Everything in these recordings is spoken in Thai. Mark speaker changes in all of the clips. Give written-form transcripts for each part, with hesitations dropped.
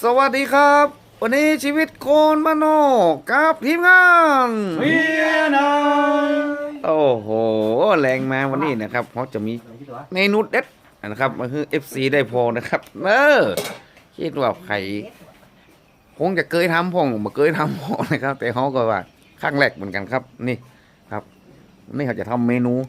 Speaker 1: สวัสดีครับ วันนี้ชีวิตโคนบ้านนอกกับทีมงาน
Speaker 2: เวียนาย
Speaker 1: โอ้โหแรงมาวันนี้นะครับเขาจะมีเมนูเด็ดนะครับมาคือ FC ได้พอนะครับคิดว่าใครคงจะเคยทำพองมาเคยทำพอนะครับแต่เขาก็ว่าครั้งแรกเหมือนกันครับนี่ครับนี่เขาจะทำเมนู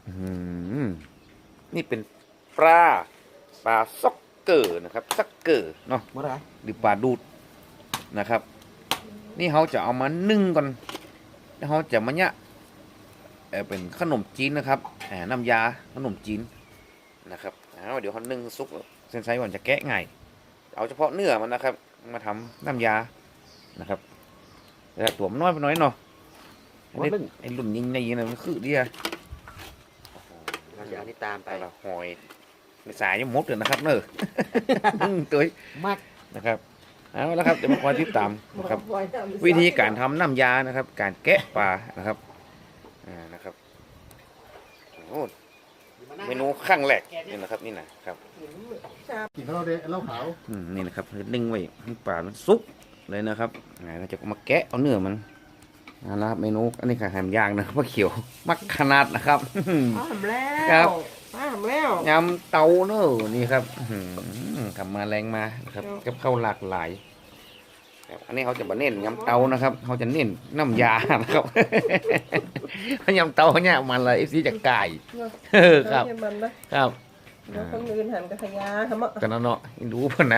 Speaker 1: นี่เป็นปลาซ็อกเกอร์นะครับซ็อกเกอร์เนาะหรือปลาดูดนะครับนี่เขาจะเอามานึ่งก่อนแล้วเขาจะมาเนี่ยเป็นขนมจีนนะครับน้ำยาขนมจีนนะครับเดี๋ยวเขานึ่งซุกเส้นไซส์ก่อนจะแกะง่ายเอาเฉพาะเนื้อมันนะครับมาทำน้ำยานะครับแต่ตัวมันน้อยไปหน่อยเนาะไอ้รุ่นยิงในนะมันคือเดีย
Speaker 2: น้ำยานี่ตามไป
Speaker 1: ละหอยในสายยังมดเลยนะครับเนอะ ตัวมากนะครับเอาแล้วครับเดี๋ยวมาคอยติดตามนะครับวิธีการทำน้ำยานะครับ การแกะปลานะครับนะครับโอ้เมนูขั้งแรกนี่นะครับนี่นะครับ
Speaker 2: กินเหล้าขาว
Speaker 1: นี่นะครับนึ่งไว้ให้ปลามันสุกเลยนะครับเราจะมาแกะเอาเนื้อมันนะครับเมนูอันนี้ค่ะแฮมย่างนะครับเขียวมักขนาดนะครับ
Speaker 3: มาทำแล้ว
Speaker 1: ครับ
Speaker 3: มาทำแล้ว
Speaker 1: ยำเตาเนอะนี่ครับทำมาแรงมานะครับกับข้าวหลากหลายอันนี้เขาจะมาเน้นยำเตานะครับเขาจะเน้นน้ำยานะครับ ยำเตาเนี่ยมันเลยซีจะไก่ครับ
Speaker 3: มันนะครับ เดี๋ยวคนอื่นหันกระขยาทำอ่ะ
Speaker 1: กันเนาะดูเพิ่น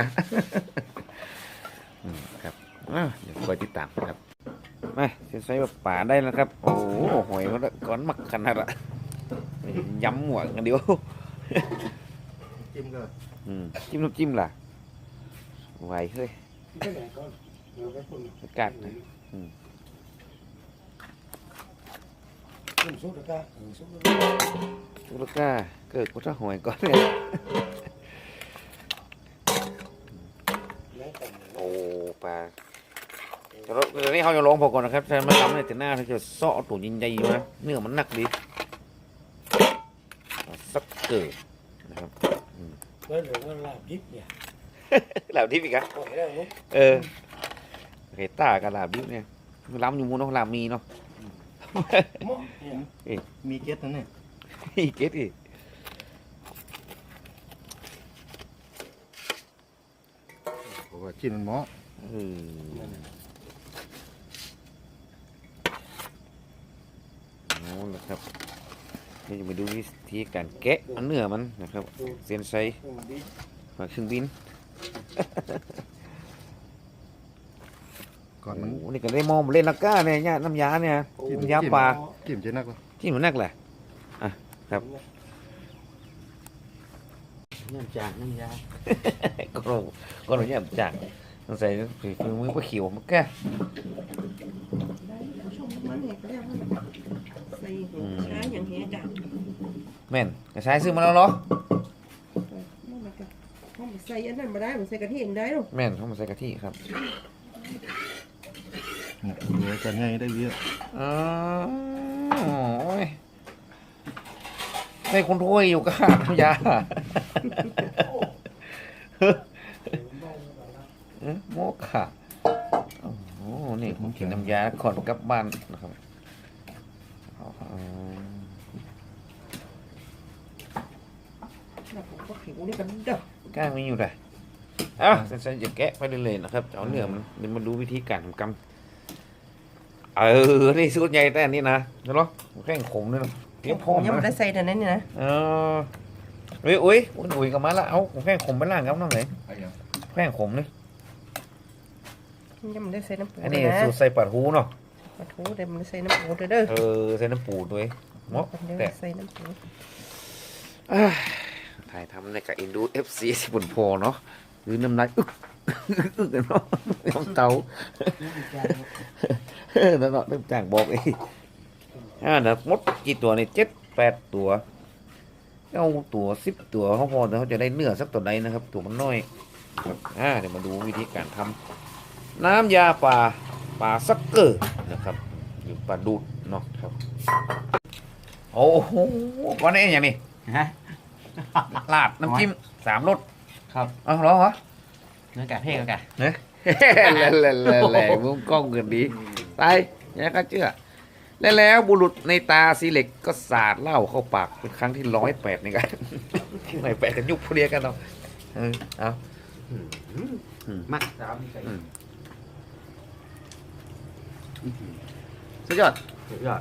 Speaker 1: นะครับเดี๋ยวคอยติดตามครับมาใส่แบบป่าได้แล้วครับโอ้หอยมันก้อนมักขนาดอะยำหมวกกันเดียว
Speaker 2: จิ้มก็
Speaker 1: จิ้มน้ำจิ้มล่ะไหวเฮ้ย
Speaker 2: ไปไหนก่อนเดี๋ยวไปคน
Speaker 1: กัด
Speaker 2: จิ้มซุปแล้วก็ซุป
Speaker 1: ตุลกาเกิดกุศลหอยก่อนเนี่ย
Speaker 2: แล้วแต่
Speaker 1: โอ้ปลาเดี๋ยวนี้เขาจะลองพอก่อนนะครับแต่มันล้ำในแต่หน้าเขาจะเซาะตัวใหญ่ๆอยู่นะเนื้อมันหนักดีสักเกิดนะครับ
Speaker 2: แล้วเหลือว่าลาบดิบเนี่ย
Speaker 1: ลาบดิบอีกอะ
Speaker 2: ปล่อยได้ลูก
Speaker 1: เฮต้ากับลาบดิบเนี่ยล้ำอยู่มูนเนาะลาบมีเนาะ
Speaker 2: หม้อเนี่ยมีเก็ตนั่นเนี่ย
Speaker 1: อีเกตอีก
Speaker 2: ผมว่าจิ้มมันหม้อ
Speaker 1: โอ้ละครับนี่จะมาดูวิธีการแกะเอาเนื้อมันนะครับเส้นไซมาครึ่งบิน
Speaker 2: ก่อนมัน
Speaker 1: โอ้นี่ก็ได้มองเล่นนักก้าเนี่ยน้ำยาเนี่ยน้ำยาปลา
Speaker 2: จิ้มเจ๊นักวะ
Speaker 1: ที่หนูนักแหละครับ
Speaker 2: น้ำจากน้ำยา
Speaker 1: ก็เราเนี่ยจากต้องใส่ฝีมือปลาเขียวมันแก่
Speaker 3: ได้ผู้ชมมันเด็กแล้วใส่หัวช้าอย่างเงี้ยจ้ะ
Speaker 1: แม่นกระชายซื้อมาแล้วเหรอ
Speaker 3: นี่มันก็ห้องใส่อันนั้นมาได้ผมใส่กะทิเองได้หรอ
Speaker 1: แม่นเขามาใส่กะทิครับ
Speaker 2: ดูจะง่ายได้เยอะ
Speaker 1: อ๋อโอ้ยในคนถ้วยอยู่กับน้ำยาโมกค่ะโอ้โหนี่ผมกินน้ำยาก่อนกลับบ้านนะครับอ๋อ
Speaker 3: แล้วผมก็ขิวนี่กันเด้อ
Speaker 1: ก้างมีอยู่เลยอ้าวฉันจะแกะไปเรื่อยๆนะครับจะเอาเนื้อมันเดี๋ยวมาดูวิธีการทำกำนี่สูตรใหญ่แต่อันนี้นะเดี๋ยวเนาะแข้งขมด้วยเนาะเตรียมพร้อม
Speaker 3: ยังไม่ได้
Speaker 1: นะ
Speaker 3: ใส่แต่นั้นนี่นะ
Speaker 1: อุ้ยกลับมาละเอาแข้งขมไปล่างครับน้องไหนแข้งขมนี่
Speaker 3: ยังไม่ได้ใส่น้ำปู
Speaker 1: อันนี้
Speaker 3: นะ
Speaker 1: สูตรใส่ปลาทูเนาะ
Speaker 3: ปลาทูเดี๋ยวมันใส่น้ำปูเด้อ
Speaker 1: ใส่น้ำปูด้วยเนาะ
Speaker 3: เดี๋ยว
Speaker 1: แต่
Speaker 3: ใส่น้ำปู
Speaker 1: ถ่ายทำในกับอินดู FC สิบุญพอเนาะหรือน้ำลายอึกเนาะน้ำเตานั่นเนาะน้ำจ่างบอกเองนะมดกี่ตัวนี่7-8 ตัวเอาตัว10 ตัวเขาพอแต่เขาจะได้เนื้อสักตัวใดนะครับ ตัวมันน้อยครับเดี๋ยวมาดูวิธีการทำน้ำยาปลาซักเกอร์นะครับหรือปลาดูดเนาะครับโอ้โหก้อนนี้อย่างนี้ลาดน้ำจิ้ม3 รส
Speaker 2: ครับ
Speaker 1: เอาเหรอ
Speaker 2: เนื้อไก่เพ่งกัน
Speaker 1: เฮ้ยแหล่มุมกล้องกันดีไปเนี่ยก็เชื่อแล้วบุรุษในตาซีเล็กก็สาดเหล้าเข้าปากเป็นครั้งที่108ในการ108กันยุบพวกเดียวกันเนาะเอา
Speaker 2: มัก
Speaker 1: สุดยอด
Speaker 2: สุดยอด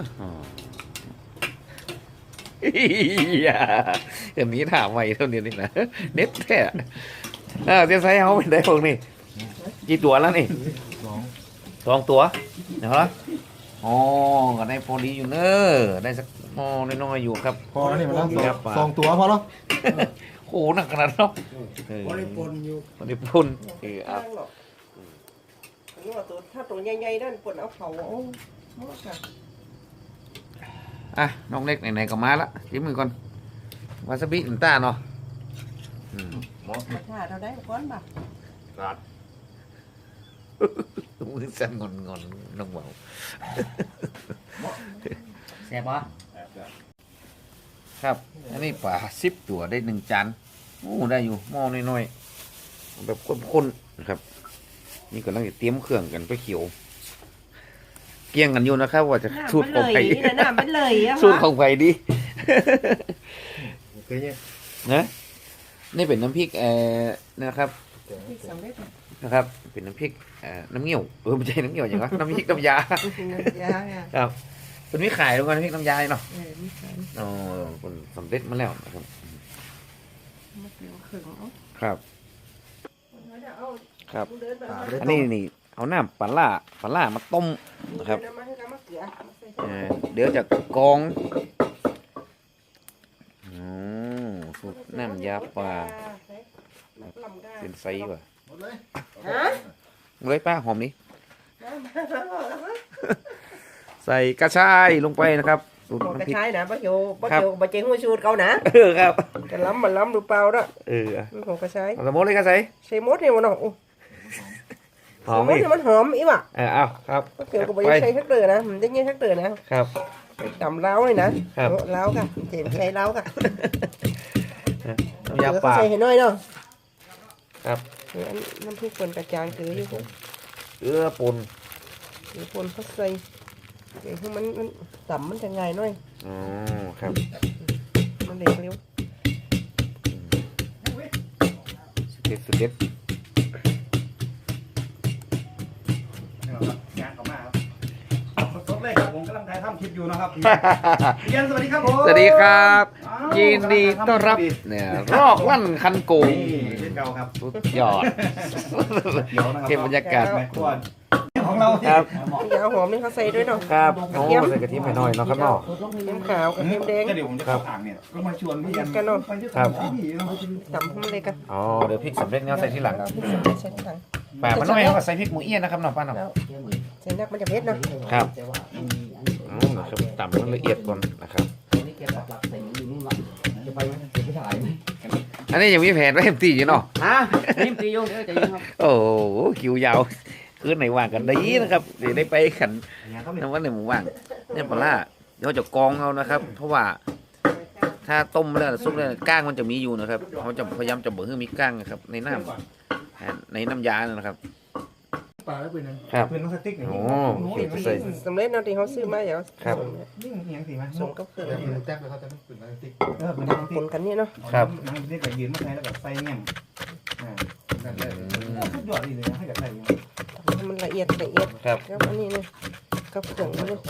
Speaker 1: เดี๋ยวนี้ถามใหม่เท่านี้นี่นะเน็ตแท้เซียนไซเขาเป็นได้พวกนี้กี่ตัวแล้วนี่2 ตัวเดี๋ยวละอ๋อก็ได้พอดีอยู่เนอะได้สักมอน้อยๆอยู่ครับ
Speaker 2: พอแล้วนี่มันต้อง
Speaker 1: ครับ
Speaker 2: 2 ตัวพอแล้ว
Speaker 1: โอ้หนักขนาดเนาะ
Speaker 3: บริปนอยู่
Speaker 1: บริปุ่นเอา
Speaker 3: ข้างหรอกอันนี้ว่าตัวถ้าตัวใหญ่ๆนั่นปนเอาเขาเอาหมดค่ะ
Speaker 1: อ่ะน้องเล็กไหนๆก็มาละจิ้มมือก่อนวาซาบิน้ำตาลเนาะ
Speaker 3: ถ้าเราได้ก้อนบ่
Speaker 1: มือสั่นงอนน้องเบา
Speaker 2: แซ่บปะ
Speaker 1: ครับอันนี้ปลา10 ตัวได้1 จานโอ้ได้อยู่หม้อน้อยๆแบบข้นๆนะครับนี่กำลังจะเตรียมเครื่องกันไปเขียวเกี่ยงกันอยู่นะครับว่าจะสูตรของใคร
Speaker 3: น้ำมันเลยอะ
Speaker 1: สูตรของใครดี
Speaker 2: เคยเนี่ย
Speaker 1: นะนี่เป็นน้ำพริกนะครับ
Speaker 3: ที่สำเร็จ
Speaker 1: นะครับ เป็นน้ำพริกน้ำเงี้ยวไม่ใช่น้ำเงี้ยวอย่างวะน้ำพริกน้ำยา
Speaker 3: ยาอ่ะ
Speaker 1: ครับเป็นมีขายด้วยกันน้ำพริกน้ำยาเนาะ
Speaker 3: มีขาย
Speaker 1: อ๋อคนสำเร็จมาแล้วนะครับ
Speaker 3: มะเขือขึงเอา
Speaker 1: ครับ
Speaker 3: เอา
Speaker 1: ครับ
Speaker 3: เดินไปเอา
Speaker 1: อันนี้นี่เอาน้ำปลาล่ามาต้มนะครับ
Speaker 3: เดินมาให้กับมะเขือมาใส่
Speaker 1: เดี๋ยวจะกรองสูตรน้ำยาปลาเป็นไซส์ว่ะ
Speaker 2: หมดเลย
Speaker 3: ฮะ
Speaker 1: เลยป้าหอมนี้ ใส่กระชายลงไปนะครับสูตร
Speaker 3: บอกกระ
Speaker 1: น้ำพริก
Speaker 3: ชายนะป้าโยป้าโยป้าเจงหัวชูดเขานะ
Speaker 1: ครับ
Speaker 3: จะล้ำมันล้ำหรือเปล่าเนาะ
Speaker 1: อ่ะ
Speaker 3: มันของกระชาย
Speaker 1: เอาสมมติเลยกระใส่
Speaker 3: ใส่มดเนี่ยมันเนาะ
Speaker 1: หอม
Speaker 3: มด
Speaker 1: อีก
Speaker 3: เนี่ยมันหอมอีว่ะ
Speaker 1: เอาครับ
Speaker 3: เกี่ยวกับใบใช้ทักเตอร์นะมันได้เงี้ยทักเตอร์นะครับ ตำเล้าเลยนะครับ เล้าค่ะเจ็บใช้เล้าค่ะ
Speaker 1: น้ำยาปลา
Speaker 3: ใส่ให้น้อยเนาะ
Speaker 1: ครับ
Speaker 3: น้ำพริกป่นกระจางคืออยู่ผม
Speaker 1: เกลือป่น
Speaker 3: หรือป่นเขาใส่เดี๋ยวให้มันต่ำมันจะง่ายหน่อย
Speaker 1: อ๋อครับ
Speaker 3: มันเร็วเร็ว
Speaker 1: สุดเด็ด
Speaker 2: งานออกมาครับสดๆเลยครับผมกำลังถ่ายทำคลิปอยู่นะครับเรียนสวัสดีครับผม
Speaker 1: สวัสดีครับ ยินดีต้อนรับเนี่ยรอกลั่นคันโกง
Speaker 2: นี่เช่นเก่าครับ
Speaker 1: สุดยอด
Speaker 2: เดี๋ยวนะครับ
Speaker 1: เก็บบรรยากาศ
Speaker 2: แม่ครัวของเรา
Speaker 1: ครับ
Speaker 3: อย่าเอาหอมนี่เขาใส่ด้วยเนาะ
Speaker 1: ครับโอ้ใส่กะทิหน่อยเนาะครับเนาะ
Speaker 3: เค็มขาวกับเค็มแดง
Speaker 2: ก็เดี๋ยวผมจะเข้าอ่างเนี่ยก็มาชวนพี่กัน
Speaker 3: กันเนอะ
Speaker 2: ไปที่
Speaker 1: ครับ
Speaker 2: พี่เนาะ
Speaker 3: ต่ำให้มันเลยกัน
Speaker 1: อ๋อเดี๋ยวพริกสำเร็จเนี่ยใส่ที่หลัง
Speaker 3: เราพริกสำเร็จใส่ทีหลัง
Speaker 1: ป่ามันน้อยเขาก็ใส่พริกหมูเอี้ยนนะครับเนาะป้าเนาะ
Speaker 3: แล้วใส่นักมันจะเผ็ดเนาะ
Speaker 1: ครับนะครับต่ำมันละเอียดก่อนนะครับอันนี้ยังมีแผนไว้เต็มที่อยู่เนาะ
Speaker 4: นิ่มตีโยงเดี๋ยวจะยิงครับ
Speaker 1: โอ้โหคิวยาวคืนไหนว่างกันดีนะครับเดี๋ยวได้ไปขันน้ำวันไหนหมูว่างเนี่ยปลาร้าเดี๋ยวจะกรองเอานะครับ เพราะว่าถ้าต้มแล้วซุปแล้วก้างมันจะมีอยู่นะครับเขาจะพยายามจะเบิกให้มีก้างนะครับในน้ำในน้ำยานะครับ
Speaker 2: ปลาแล้วเป็นไง
Speaker 1: ครับ
Speaker 2: เป็นน้ำสติ๊กเนี่ย
Speaker 1: โอ้เก็บใส่
Speaker 3: สำเร็จเนาะที่เขาซื้อมาอย่า
Speaker 1: ครับ
Speaker 2: นี่มันเอียงสิมั้ย
Speaker 3: ส่งกับเครื่อง
Speaker 2: แจ็คเลยเขาจะเป็นน้ำสติ๊กเป็นน้ำส
Speaker 3: ป
Speaker 2: ติ๊ก
Speaker 3: นกันนี่เนาะ
Speaker 1: ครับ
Speaker 2: น้ำสติ๊กกับยืนมาใช้แล้วแบบใส่เงี้ยสุดยอดเลยนะให้กับใส่
Speaker 3: ให้มันละเอียดละเอียด
Speaker 1: ครับ
Speaker 3: แล้วอันนี้เนี่ยกับเครื่องนี่เลย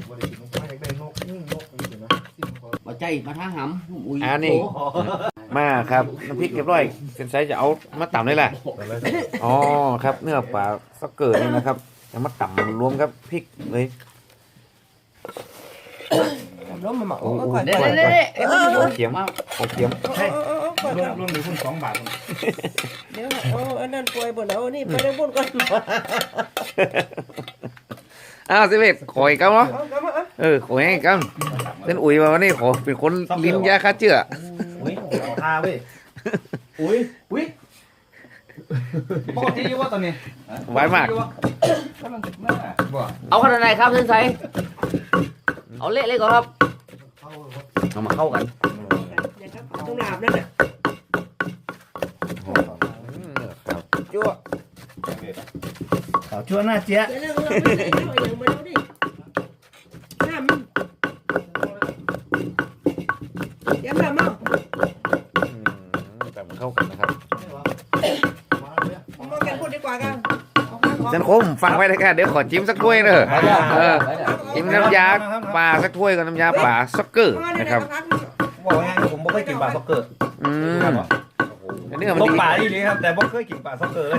Speaker 4: มาใจมาท่าหำอุ้ย
Speaker 1: อันนี้มาครับน้ำพริกเรียบร้อยเซนไซจะเอามาต่ำเลยแหละอ๋อครับเนื้อปลาสักเกิดนี่นะครับจะมาต่ำรวมครับพริกเลย
Speaker 3: ล้มมาหมัก
Speaker 1: โอ้โห
Speaker 3: ก่อน
Speaker 4: เดี๋ยว
Speaker 3: ก่อน
Speaker 4: เดี๋ยวเดี๋ยว
Speaker 1: ของเขียมของเขียม
Speaker 2: รวมหรือคุณ2 บาท
Speaker 3: เดี๋ยวเอาอันนั้นป่วยบ่เอานี่ไปได้บุญก่อน
Speaker 1: อ้าวสิเวทขออีกครับเนาะ
Speaker 3: เอากลับมา
Speaker 1: ขอให้กันเป็นอุ๋ยมาวันนี้ขอเป็นคนลิ้นยาฆ่าเชื้อ
Speaker 2: อุ้ยเอาท่าเว้ยอุ้ยปกติอยู่ว่าตอนนี้
Speaker 1: ไว้มาก
Speaker 4: เอาขนาดไหนครับเส้นใสเอาเละเลยก่อนครับเอามาเข้ากัน
Speaker 3: เดี๋ยวครับต้องลาบนั่นน่ะ
Speaker 1: ครับจั่ว
Speaker 2: ขาวชั่วหน้าเจี๊ยะ
Speaker 3: เดี๋ยวเราไม่ใส่หน่อยอย่างมาดูดิน้ำมันเดี๋ยวมาเมา
Speaker 1: แต่มันเข้ากันนะครับ
Speaker 3: ผมบอกกันพูดดีกว่ากัน
Speaker 1: จันคมฟังไว้เลยค่ะเดี๋ยวขอจิ้มสักถ้วยเนอะจิ้มน้ำยาปลาสักถ้วยกับน้ำยาปลาซ็อกเกอร์นะครับ
Speaker 2: บอกว่าไงผมบ่เคยกินปลาซ็อกเกอร์
Speaker 1: อันนี้มัน
Speaker 2: ตก
Speaker 1: ดี
Speaker 2: ปลาดีครับแต่บ่เคยกินปลาซ็อกเกอร์เลย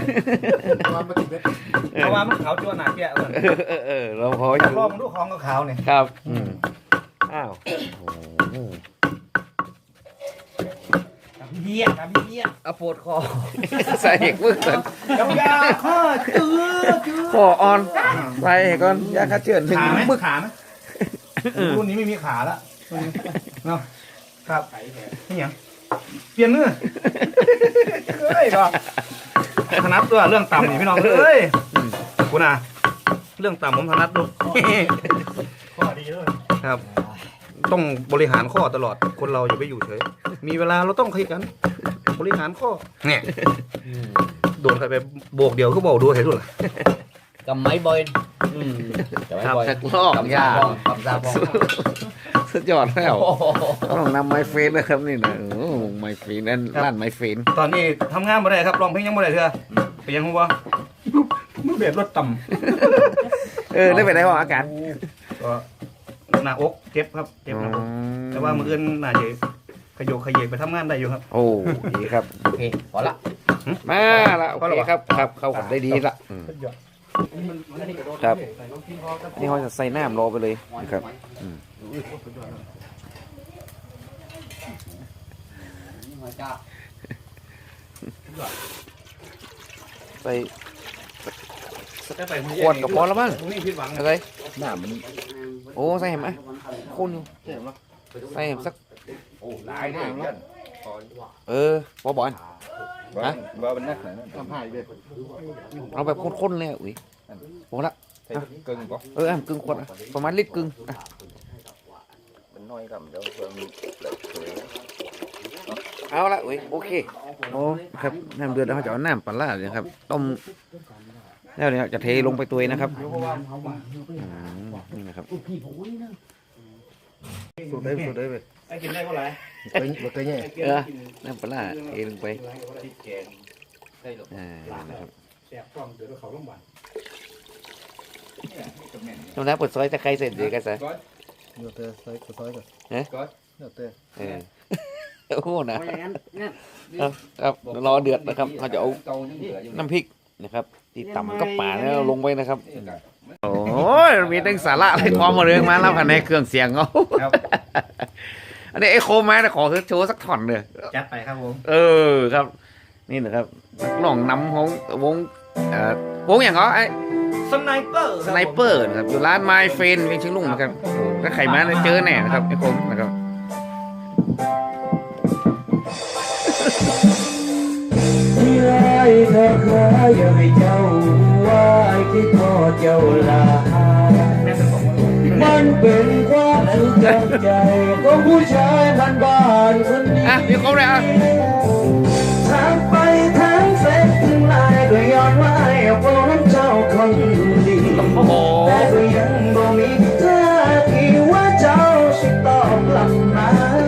Speaker 2: เพราะว่ามันขาวชั่วหน้าเจี๊ยะเลย
Speaker 1: เราพอ
Speaker 2: อยากลองดูของก็ขาวเนี่ย
Speaker 1: ครับอ้าว
Speaker 2: กับพี่เบี้ยกับพี่เบี้ย
Speaker 4: เอาปวดคอ
Speaker 1: ใส่อีกมือก่อน
Speaker 2: กับยาข้อจืด
Speaker 1: ขอออนใส่ก่อนยาฆ่าเชื้อถึง
Speaker 2: ขาไหม
Speaker 1: มึก
Speaker 2: ขาไหมรุ่นนี้ไม่มีขาละเนาะครับนี่ยังเปลี่ยนมือเฮ้ยก็ถนัดตัวเรื่องต่ำนี่พี่น้องเอ้ยคุณอ่ะเรื่องต่ำผมถนัดดูข้อดีด้วยครับ ต้องบริหารข้อตลอดคนเราอย่าไปอยู่เฉยมีเวลาเราต้องขยันบริหารข้อเนี่ยโดนใครไปโบกเดียวก็บอกดูเห็นด้วย
Speaker 4: กำไม้บอยกำไม้บอย
Speaker 1: ชักลอกยาก
Speaker 4: ำซาบอง
Speaker 1: สุดยอดแล้วต้องนำไมเฟนนะครับนี่นะโอ้ไมเฟนนั่นร้านไมเฟน
Speaker 2: ตอนนี้ทำงานบ่ได้ครับร้องเพลงยังบ่ได้เถอะไปยังหัวมือเบียดรถต่ำ
Speaker 1: ได้ไปไหนวะอาการ
Speaker 2: ก็หน้าอกเจ็บครับเจ็บหน้าอกแต่ว่ามืออื่นน่าจะขยโยกขยเยกไปทำงานได้อยู่ครับ
Speaker 1: โอ้ดีครับ
Speaker 4: โอเคพอละ
Speaker 1: มาละโอเคครับครับเข้ากันได้ดีละครับนี่เขาจะใส่น้ำรอไปเลยนะครับใส่ขวดกับพอแล้วมั้งอะไร
Speaker 4: น้ำมัน
Speaker 1: โอ้ใส่เห็นไหมคุณอยู่ใส่เห็นสักบอบอลฮะ
Speaker 5: ว่าเป็นนักไหนนั่น
Speaker 1: เอาแบบข้นๆเลยอุ้ยโอ้ละ
Speaker 5: ใส่กึ่งก็
Speaker 1: กึ่งขวดประมาณลิตรกึ่ง
Speaker 5: เป็นน้อยกับเดี๋ยวเพิ่ม
Speaker 1: เอาละอุ้ยโอเคโอ้ครับน้ำเดือดแล้วเขาจะเอาน้ำปลาร้าเลยครับต้มแล้วเนี่ยจะเทลงไปตัวนะครับนี่นะครับ
Speaker 5: สูดได้สูดได้ไป
Speaker 2: ไอ้กินได้เท่าไหร่
Speaker 5: ตัวใหญ่
Speaker 1: น้ำปลาร้าเทลงไปนะครับ
Speaker 2: แสบท้องเดี๋ยวเขาโรงพยาบาล
Speaker 1: น้ำน้ำเปิดซอยจะใครเสร็จเดี๋ยวกันซะ
Speaker 5: เดี๋ยวเตะซอยซอยก่อนเดี๋ยวเตะ
Speaker 1: โอ้โหนะ
Speaker 4: อย่างนั้นงั้น
Speaker 1: ครับรอเดือดนะครับเขาจะเอาน้ำพริกนะครับที่ต่ำกับป่าเนี่ยลงไปนะครับโอ้ยมีตั้งสาระอะไรความมาเรื่องมาแล้วภายในเครื่องเสียงเขาอันนี้ไอ้โคมาขอโชว์สักท่อนเลย
Speaker 2: จัดไปครับผม
Speaker 1: ครับ นี่นะครับลองนำของวงอย่างเหรอไอ้
Speaker 2: สไนเปอร์
Speaker 1: สไนเปอร์นะครับอยู่ร้านไมเฟนเวียงเชียงลุงนะครับถ้าใครมาเจอแน่นะครับไอ้คมนะครับ
Speaker 6: ที่ไล่เธอเคยอย่าให้เจ้าว่าคิดทอดเจ้าลามันเป็นความสุขจากใจของผู้ชายบ้านๆคนนี้
Speaker 1: มีครบเลย
Speaker 6: ทางไปทางเส้นถึงลายก็ย้อนไว้เพราะเจ้าคนดีแต่ก็ยังบ่มีท่าทีว่าเจ้าสิตอบกลับมา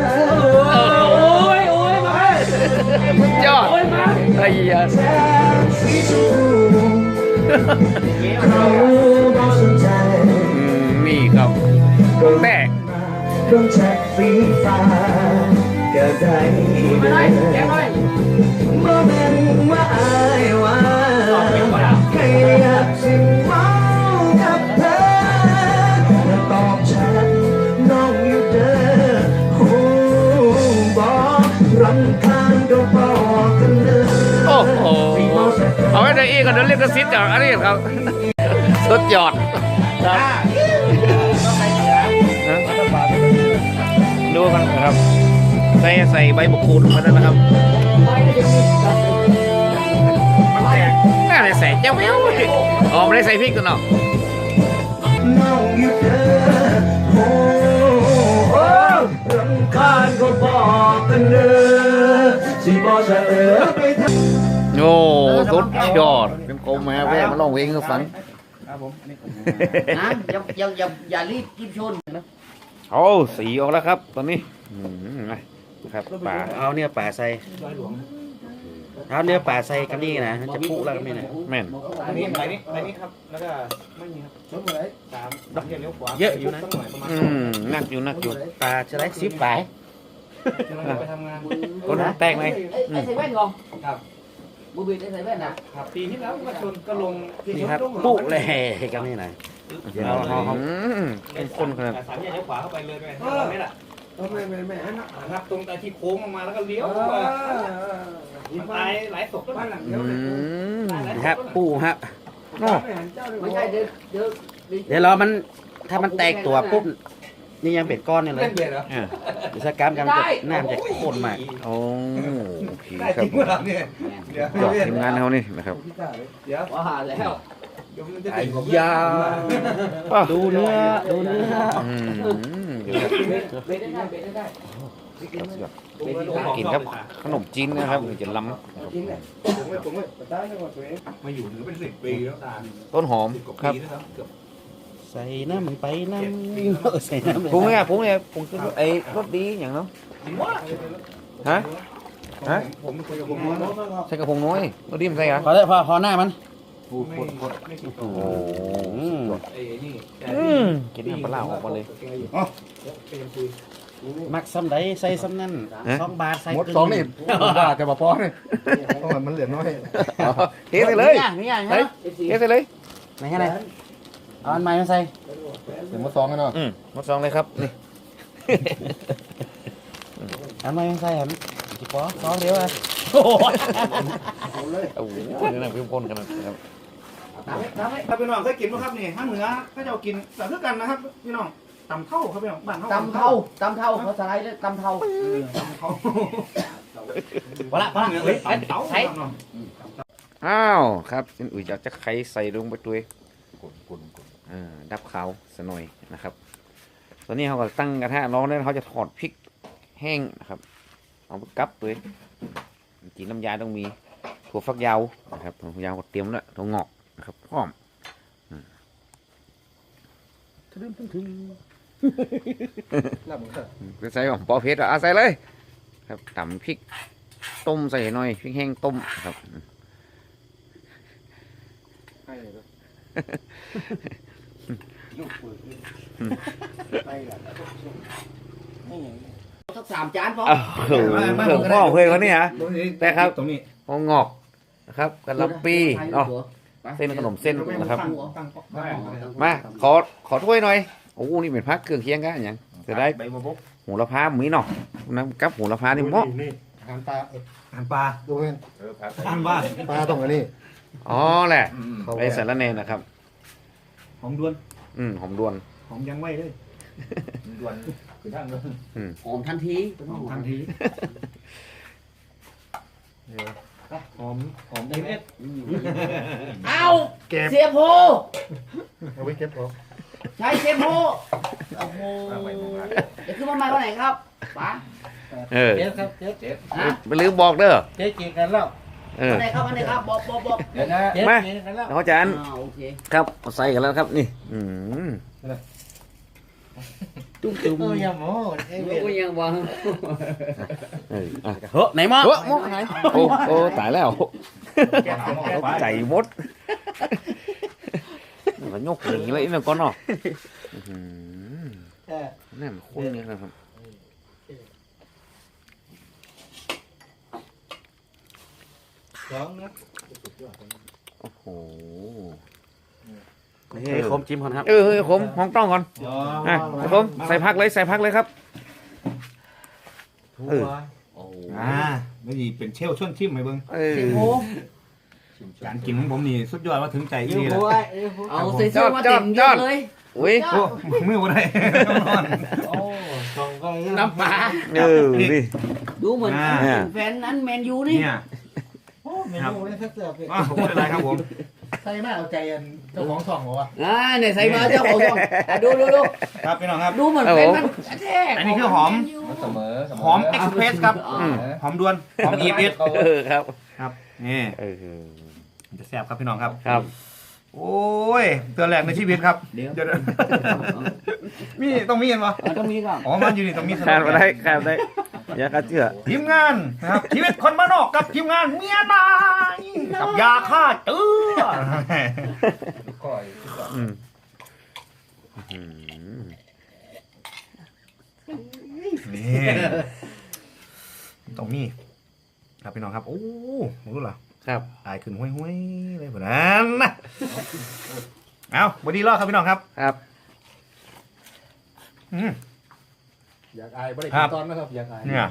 Speaker 1: ยอดไอ้ยา
Speaker 6: แสงสีชมพูเขาบ่สนใจ
Speaker 1: นี่ครับแต่
Speaker 6: ดวงจันทร์สีฟ้าก็ได้เดินเมื่อเป็นว่าอายว่าแค่อยากสิเมากับเธอแล้วตอบฉันน้องอยู่เด้อหูบอกรำคาญก็บอกกันเด้อ
Speaker 1: โอ้โหเอาไว้ในอีกก่อนเดี๋ยวเรียกกระซิบจากอันนี้ครับสุดยอดครับดูกันนะครับใส่ใบมะกรูดมาแล้วนะครับน่าจะใส่เจ้าแมวอ๋อไม่ได้ใส่พริกกันเนาะ
Speaker 6: น้องอยู่เด้อโอ้โอ้รำคาญก็บอกกันเด้อสิบอกจะไปท
Speaker 1: โอ้สุดยอดเป็นโกมาแวะมาลองเพลงให้ฟัง
Speaker 2: ครับผมอันนี้
Speaker 4: นะอย่ารีบกินชนนะ
Speaker 1: โอ้สีออกแล้วครับตอนนี้นะครับป่า
Speaker 5: เอาเนี่ยป่าใส่
Speaker 2: ร้อยหลวง
Speaker 5: เอาเนี่ยป่าใส่กันนี่นะจะพุแล้วกันนี่นะ
Speaker 1: แม่น
Speaker 2: อันนี้ใบนี้ครับแล้วก็ไม่มีครับชนไหนตามดักเลี้ยวขวา
Speaker 5: เยอะอยู่นะ
Speaker 2: ต้องหน่อยประมาณ
Speaker 1: นักอยู่นักอยู่
Speaker 5: ป่าจะได้10ป่า
Speaker 2: จะมาไปทำงาน
Speaker 1: คนแตกไหม
Speaker 4: ไอ้ใส่แว่นก่อน
Speaker 2: ครับ
Speaker 4: บูบีได้ใส่แว่นนะครับ
Speaker 2: ปีที่แล้วก็ชนก็ลง
Speaker 5: นี่ครับพุเลยกันนี่นะเอา
Speaker 1: เป็นคนขนาด
Speaker 2: สามแยกเลี้ยวขวาเข้าไปเลยไปไม่ล่ะไม่ครับตรงแต่ที่โค้งออกมาแล้วก็เลี้ยวมันตายหลายศพแล้วมัน
Speaker 5: ครับปูครับ
Speaker 4: ไม่ใช่เดี๋ยว
Speaker 5: เดี๋ยวรอมันถ้ามันแตกตัวปุ๊บนี่ยังเป็นก้อนนี่เลย
Speaker 2: เล่นเบียร์เหรอ
Speaker 5: อิสกรรมกันน้ำจะข้นมาก
Speaker 1: โอ้โอเค
Speaker 2: ได้
Speaker 1: ครั
Speaker 2: จ
Speaker 1: บ
Speaker 2: ริงเมื่อไหร่เนี่ยเดี๋ยว
Speaker 1: จอดทีมงานเขานี่นะครับ
Speaker 2: เดี๋ยว
Speaker 4: ว่าแล้ว
Speaker 2: เดี๋ยวมันจะ
Speaker 1: ไอ้
Speaker 2: ติดผม
Speaker 1: ยา
Speaker 5: ดูเนื้อ
Speaker 1: เดี๋ยว
Speaker 4: เบรได้เบรได้
Speaker 1: กินครับขนมจีนนะครับจะล้ำ
Speaker 2: มาอยู่ถึงเป็น10 ปีแล้วตา
Speaker 1: ต้นหอมครับ
Speaker 5: ใส่น้ำไปน้ำใส่น้ำ
Speaker 1: พุงเนี่ยพุงคือไอ้รสดีอย่างเนาะฮะ
Speaker 2: ผมคุยกับผม
Speaker 1: ใส่กระพงน้อยรสดีมันใส่เหรอ
Speaker 5: พอได้พอหน้ามัน
Speaker 2: ไม่คิด
Speaker 1: โอ้โห
Speaker 2: ไอ้นี่
Speaker 1: กินน้ำปลาออกมาเลย
Speaker 5: มักซ้ำใดใส่ซ้ำนั่น2 บาทใส่
Speaker 6: หมดสองนี่บ้าจะมาป้อนนี่เพราะมันเหลือน้อย
Speaker 1: เทใส่เลย
Speaker 5: มีอย่าง
Speaker 1: เฮ้ยเทใส่เลย
Speaker 5: ไหนไงเอาอันใหม่มาใส่
Speaker 6: เดี๋ยวหมดสองกันเนาะ
Speaker 1: หมดซองเลยครับนี่
Speaker 5: อันใหม่มาใส่ครับจิปอ2เดียวอ่ะ
Speaker 1: โอ้โหนี่นะพี่พ่นกันนะครับ
Speaker 2: ถ้าพี่น้องเคยกินไหมครับนี่ถ้าเหนือถ้าจะกินแต่เท่ากันนะครับพี่น้องตำเท่าครับพี่น้องบ้านเท่า
Speaker 4: ตำเท่าเขาสไลด์เลยตำเท่า
Speaker 2: ตำเท่า
Speaker 5: พอละ
Speaker 2: เหนือเลยตำเท่าครับน้อง
Speaker 1: อ้าวครับอุ้ยอยากจะไข่ใส่ลงไปด้วยดับขาวสหน่อยนะครับตอนนี้เขาก็ตั้งกระทะร้อนแล้วเขาจะถอดพริกแห้งนะครับเอาไปกับด้วยจีนน้ำยาต้องมีถั่วฝักยาวนะครับถั่วฝักยาวก็เตรียมแล้วถั่วงอกนะครับพร้อมใส่ของปอเพชรใส่เลยครับตำพริกต้มใส่หน่อยพริกแห้งต้มครับ
Speaker 4: สัก3 จานพอ
Speaker 1: เครื่องพ่อเคยเขานี่ฮะ แต่ครับ
Speaker 2: ตรงนี้
Speaker 1: หัวงอกนะครับกะหล่ำปีอ๋อเส้นขนมเส้นนะครับมาขอถ้วยหน่อยโอ้นี่เป็นพักเครื่องเคียงกันอย่างจะได้
Speaker 2: ใบบัวบก
Speaker 1: หูละพาหมีเนาะน้ำกับหูละพานี่เหมาะ
Speaker 6: อาหารปลา
Speaker 2: อาหารปลา
Speaker 6: ดูเห็น
Speaker 2: อาหารบ้าน
Speaker 6: ปลาตรงอันนี้
Speaker 1: อ๋อแหละไปสารเนนะครับ
Speaker 2: หอมด้วน
Speaker 1: หอมดวน
Speaker 2: หอมยังไว้เลยด้วนคือทางด้วน
Speaker 4: หอมทันที
Speaker 2: หอมทันทีหอมเอ็ด
Speaker 4: เอา
Speaker 6: เก็บ
Speaker 4: เสียโพ
Speaker 6: เอาไว้เก็บของ
Speaker 4: ใช้เสียโพโอ้โหเดี๋ยวขึ้นมาใหม่วันไหนครับป๋า
Speaker 5: เจ๊ครับเจ๊
Speaker 4: ฮะ
Speaker 1: ไม่ลืมบอกเด้อ
Speaker 5: เจ๊กินกันแล้ว
Speaker 4: วันไหนครับวันไหนครับบอก
Speaker 5: เดี๋ยวนะเจ๊กินกันแล้ว
Speaker 1: น้องจัน
Speaker 4: โอเค
Speaker 1: ครับเอาใส่กันแล้วครับนี่
Speaker 5: ตุ้ม
Speaker 6: อย่าโม้
Speaker 4: กูยังวาง
Speaker 1: เฮ้ย
Speaker 5: เฮ้ยไหนมั้ง
Speaker 1: มกไหนโอ้ตายแล้วใจมดมันยกหนีเลยนี่ก่อนเนาะนี่มันคุ้นนี่นะครับ
Speaker 6: สองนะ
Speaker 1: โอ้โห
Speaker 5: ให้คมจิ้มก่อนครับ
Speaker 1: ผมห้องต้องก่อนผมใส่พักเลยครับ
Speaker 6: ถั่
Speaker 1: เออ
Speaker 6: ว
Speaker 2: ไม่ดีเป็นเชลชวนชิมไหมเบิ้ง
Speaker 4: เสียโพ
Speaker 2: การกินของผมนี่สุดยอดว่าถึงใจ
Speaker 6: ยู
Speaker 2: ดี
Speaker 6: โร
Speaker 2: แล้ว
Speaker 4: เอาใส่เสื้อมาเต็มยศเลย
Speaker 1: อุ้ย
Speaker 2: โอ้มือวันไหนนอน
Speaker 6: โอ้สองก็
Speaker 4: น้ำปลา
Speaker 1: นี่
Speaker 4: ดูเหมือนแฟนนั้นแมนยูนี่
Speaker 2: เนี่ย
Speaker 6: โอ้เมนูเลยสักเสือ
Speaker 2: ผมไม่เป็นไรครับผม
Speaker 6: ใช่ไหมเอาใจเจ้าของช่องเหรอวะ
Speaker 4: เนี่ยใส่มาเจ้าของช่องดู
Speaker 2: ครับพี่น้องครับ
Speaker 4: ดูเหมือนแฟนมันแท้
Speaker 2: อันนี้คือหอม
Speaker 6: เสมอ
Speaker 2: หอมเอ็กซ์เพรสครับหอมด่วนหอมอีฟเอส
Speaker 1: ครับ
Speaker 2: นี่
Speaker 5: เออ
Speaker 2: จะแซ่บครับพี่น้องครับ
Speaker 5: ครับ
Speaker 2: โอ้ยเตือนแรกในชีวิตครับเดี๋ยวมีต้องมีเห็นปะ
Speaker 4: ต้องมีครับ
Speaker 2: อ๋อมันอยู่นี่ต้องมี
Speaker 5: ขาดมาได้ขาดได้อย่าขาดเชื่อ
Speaker 2: ทีมงานนะครับชีวิตคนบ้านนอกกับทีมงานเมียนายกับยาฆ่าเจือ
Speaker 5: อืม
Speaker 2: นี่ต้องมีครับพี่น้องครับโอ้รู้เหรอ
Speaker 5: ครับ
Speaker 2: อายขึ้นห้วยๆเลยแบบนั้นนะเอาบอดี้รอดครับพี่น้องครับ
Speaker 5: ครับ
Speaker 2: อืม
Speaker 7: อยากอายไม่ได้
Speaker 2: ครับ
Speaker 7: ตอนนะครับอยากอาย
Speaker 2: เนี่ย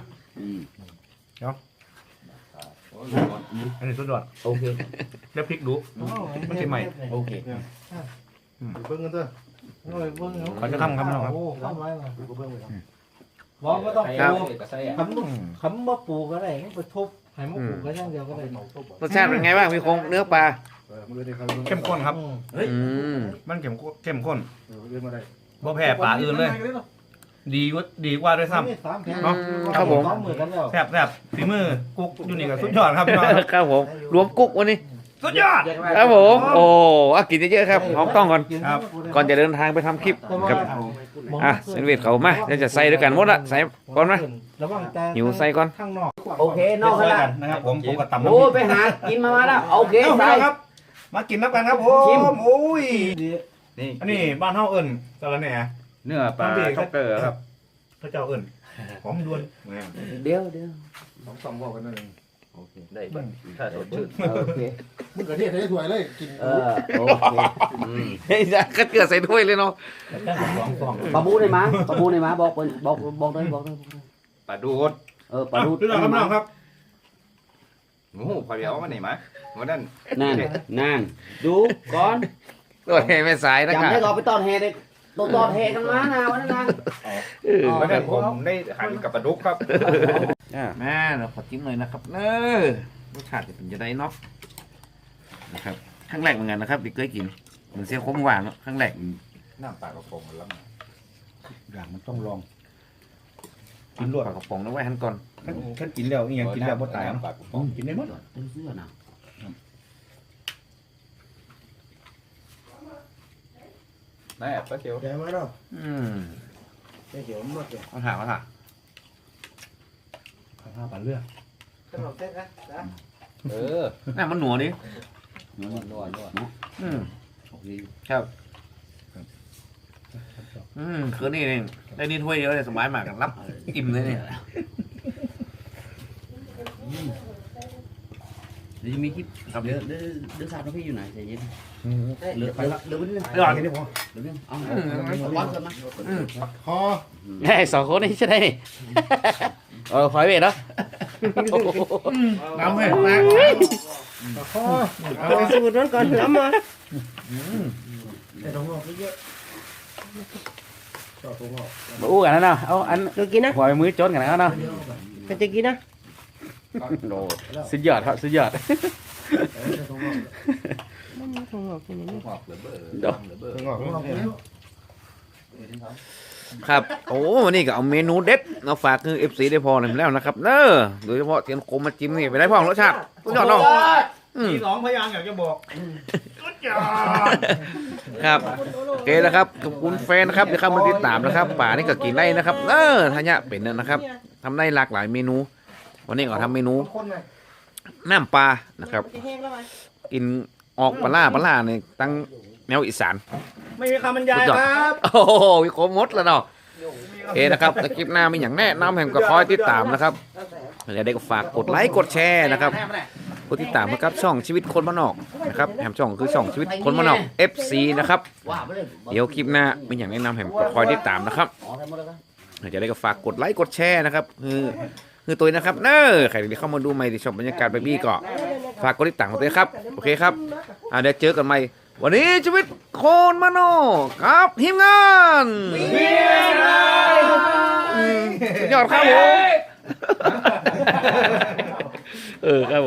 Speaker 2: อันนี้สุดยอด
Speaker 4: โอเค
Speaker 2: แล้วพริกดูมันจะใหม่
Speaker 4: โอเค
Speaker 7: เบิ้งกันเถอะโอ้ยเบิ้ง
Speaker 2: เขาจะทำครับพี่น้องครับ
Speaker 7: โอ้ทำไรล่ะดูเบิ้งเลยครับบอกก็ต้อง
Speaker 5: ครับ
Speaker 7: ปลูกคำว่าปลูกก็ได้ไปทุบให้มันปลูกก็อย่างเดียวก็ได้
Speaker 5: รสชาติเป็นไงบ้างพี่คงเนื้อปลา
Speaker 2: เข้มข้นครับ
Speaker 5: อืม
Speaker 2: มันเข้มข้นบ่แพ้ปลาอื่นเลย ดีกว่าด้วยซ้ำ
Speaker 7: สามแผ่น
Speaker 2: เนาะ
Speaker 5: ครับผม
Speaker 7: สองมือกันแล้ว
Speaker 2: แซ่บฝีมือกุ๊กอยู่นี่กับสุดยอดครับพี่น้องครับ
Speaker 5: ครับผมรวมกุ๊กวันนี้
Speaker 2: สุดยอด
Speaker 5: ครับผมโอ้กินเยอะๆครับหอมต้องก่อน
Speaker 2: ครับ
Speaker 5: ก่อนจะเดินทางไปทำคลิปครับอ่ะเซนเวทเขามาเดี๋ยวจะใส่ด้วยกันหมดละใส่ก่อนนะ
Speaker 7: ระวังแต่
Speaker 5: หิวใส่ก่อน
Speaker 7: ข้างนอก
Speaker 4: โอเคนอกขนาด
Speaker 2: นะครับผมกับตำ
Speaker 4: โอ้ไปหากินมาแล้วโอเค
Speaker 2: เอ้าพี่
Speaker 4: ใส่
Speaker 2: น้องครับ มากินน้ำกันครับผ
Speaker 4: ชิม
Speaker 2: มโอ้ย
Speaker 1: นี่
Speaker 2: อันนี้บ้านเฮาเอิ้นสะระแหน่
Speaker 1: เนื้อปลาช็อกเกอร์ครับ
Speaker 2: พระเจ้าเอิ้นหอมดวน
Speaker 4: เดี๋ยว
Speaker 7: สองบอกกันนั่นเอง
Speaker 1: ได้บ้างถ้าสดชื่น
Speaker 4: โอเค
Speaker 7: มึงกระเทียมได้ถ้วยเลยกิน
Speaker 4: โอเค
Speaker 5: เฮ้ยก็เกลือใส่ถ้วยเลยเนาะ
Speaker 4: ปลาบูได้มาปลาบูได้มาบอกเลย
Speaker 1: ปลาดูด
Speaker 4: ปลาดู
Speaker 2: พี่น้องครับพี่น้องครับ
Speaker 1: โอ้โหพอเดียวมาไหนมาวันนั้น
Speaker 4: นั่นดูก่อน
Speaker 5: ตัวแห่แม่สายนะค
Speaker 4: จำ
Speaker 5: รับ
Speaker 4: ได้ก่อนไปตอนแห่เด็กตอนแห่กันมานะวันนั้นนะ
Speaker 1: วันนั้นผมได้หันกับปลาดุกครับ
Speaker 5: แม่เราขอจิ้มหน่อยนะครับรสชาติจะเป็นจะได้เนาะนะครับครั้งแรกเหมือนกันนะครับที่เคยกินเหมือนเสียขมหวานเนาะครั้งแรก
Speaker 1: น้ำปลากระพงแล้ว
Speaker 2: อย่างมันต้องลอง
Speaker 5: กินรวดปลากระป๋องแล้วไว้หันก่อน
Speaker 2: ท่านกินแล้วอีหยังกินแล้วบ่ตายเนาะ
Speaker 1: ปลากระพง
Speaker 2: กินได้หมด
Speaker 4: เสื้อนะ
Speaker 1: แม่ปลาเขียว
Speaker 7: แกมาแล้ว
Speaker 5: แก
Speaker 7: เขียวหมดเลย
Speaker 5: มาถาม
Speaker 2: ข้าวปลาเลือด
Speaker 7: ขนมเส้นนะ
Speaker 5: น่ามันหนัวดิ
Speaker 4: นวดเนาะ
Speaker 5: ครับคือนี่เองได้นี่ถ้วยเดียวเลยสบายมากกันรับอิ่มเลยเนี่ย
Speaker 4: เดี๋ยวจะมีคลิปเดี๋ยวสาวน้องพี่อยู่ไหนใจเย็นเหลือวันนึง
Speaker 2: ก่อนแค่นี้พอ
Speaker 4: เหลือนึงเอาวางเกินมา
Speaker 7: คอ
Speaker 5: ไอ้สองคนนี้ใช่ไหมนี่ขอให้เวทเนาะ
Speaker 2: น้ำให้นะ
Speaker 7: คอ
Speaker 3: เอาไปสูตรนั้นก่อนน้ำมา
Speaker 7: ไอ้ตรงนอกเยอะชอบตรงนอก
Speaker 5: มาอู้กันนะเนาะเอาอัน
Speaker 3: เรากินนะ
Speaker 5: หัวมือจนกันนะเนาะ
Speaker 3: ใครจะกินนะ
Speaker 5: โอ้สุดยอดครับสุดยอด
Speaker 7: ตรงนอก
Speaker 3: มันมีของหอกที่ไหนเนี่ย
Speaker 5: เดี๋ยว
Speaker 7: ตรงนอก
Speaker 5: ครับโอ้วันนี้ก็เอาเมนูเด็ดมาฝากคือ FC ได้พอหนึ่งแล้วนะครับเนอะโดยเฉพาะเทียนโคมมาจิ้มนี่ไปได้พ่องรสชาติสุดยอดเนาะ
Speaker 2: มีสองพยางค์อยากจะบอกสุดยอด
Speaker 5: ครับโอเคนะครับขอบคุณแฟนนะครับที่เข้ามาติดตามนะครับป่านี่ก็กินได้นะครับทันยะเป็นนะครับทำได้หลากหลายเมนู วันนี้ก็ทำเมนูน้ำปลานะครับ
Speaker 3: จะแห้งแล้วไหม
Speaker 5: กินออกปลาล่าในตั้งแนวอีสาน
Speaker 2: ไม่มีคำบรรยายครับ
Speaker 5: โอ้โหวิโคมดแล้วเนาะโอเคนะครับในคลิปหน้ามีอย่างแนะนำแห่งก็คอยติดตามนะครับอย่าได้ก็ฝากกดไลค์กดแชร์นะครับกดติดตามนะครับช่องชีวิตคนบ้านนอกนะครับแหมช่องคือช่องชีวิตคนบ้านนอก FC นะครับ
Speaker 4: ว่าไปเลย
Speaker 5: เดี๋ยวคลิปหน้ามีอย่างแนะนำแห่งก็คอยติดตามนะครับ
Speaker 4: อ๋อทำหมดแล้วกัน
Speaker 5: อย่าได้ก็ฝากกดไลค์กดแชร์นะครับคือตัวนะครับใครที่เข้ามาดูใหม่ที่ชมบรรยากาศแบบนี้ก็ฝากกดติดตามกันด้วยครับโอเคครับเดี๋ยวเจอกันใหม่วันนี้ชีวิตคนมโนครับทีมงานสุดยอดครับผมครับ